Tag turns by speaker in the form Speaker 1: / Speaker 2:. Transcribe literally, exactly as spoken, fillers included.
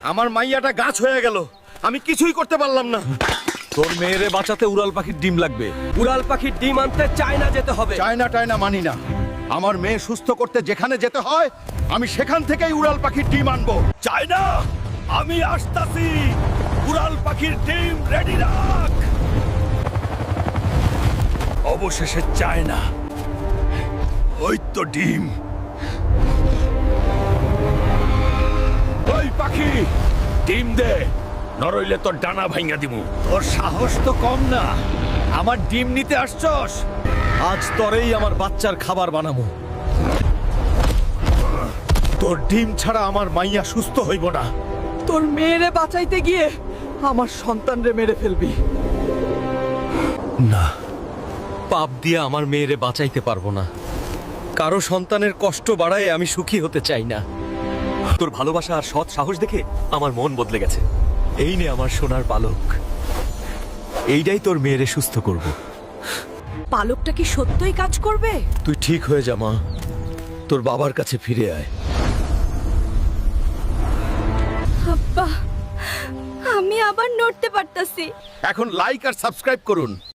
Speaker 1: আমার মাইয়াটা গাছ হয়ে গেল, আমি কিছুই করতে পারলাম না।
Speaker 2: তোর মেয়েরে বাঁচাতে উড়াল পাখির ডিম লাগবে। উড়াল পাখির ডিম আনতে চায়না যেতে হবে।
Speaker 1: চায়না টায়না মানি না। আমার মেয়ে সুস্থ করতে যেখানে যেতে হয় আমি সেখান থেকেই উড়াল পাখির ডিম আনবো।
Speaker 2: চায়না, আমি আসতাছি। উড়াল পাখির ডিম রেডি রাখ। অবশেষে চায়না, ওই তো ডিম। ওই পাখি, ডিম দে, নরইলে তোর ডানা ভাঙা দিমু। তোর সাহস তো কম না, আমার ডিম নিতে আসছস। আজ তোরেই আমার বাচ্চার খাবার বানাবো।
Speaker 1: তোর ডিম ছাড়া আমার মাইয়া সুস্থ হইব না।
Speaker 3: তোর মেয়েরে বাঁচাইতে গিয়ে আমার সন্তানরে মেরে ফেলবি।
Speaker 2: না, পাপ দিয়ে আমার মেয়েরে বাঁচাইতে পারবো না। কারো সন্তানের কষ্ট বাড়ায় আমি সুখী হতে চাই না। তোর ভালোবাসা আর সৎ সাহস দেখে আমার মন বদলে গেছে। এই নে আমার সোনার পালক, এইটাই তোর মেয়েরে সুস্থ করব।
Speaker 3: পালকটা কি সত্যই কাজ করবে?
Speaker 2: তুই ঠিক হয়ে যা মা, তোর বাবার কাছে ফিরে আয়।
Speaker 4: আব্বা, আমি আবার নড়তে পারতাছি।
Speaker 1: এখন লাইক আর সাবস্ক্রাইব করুন।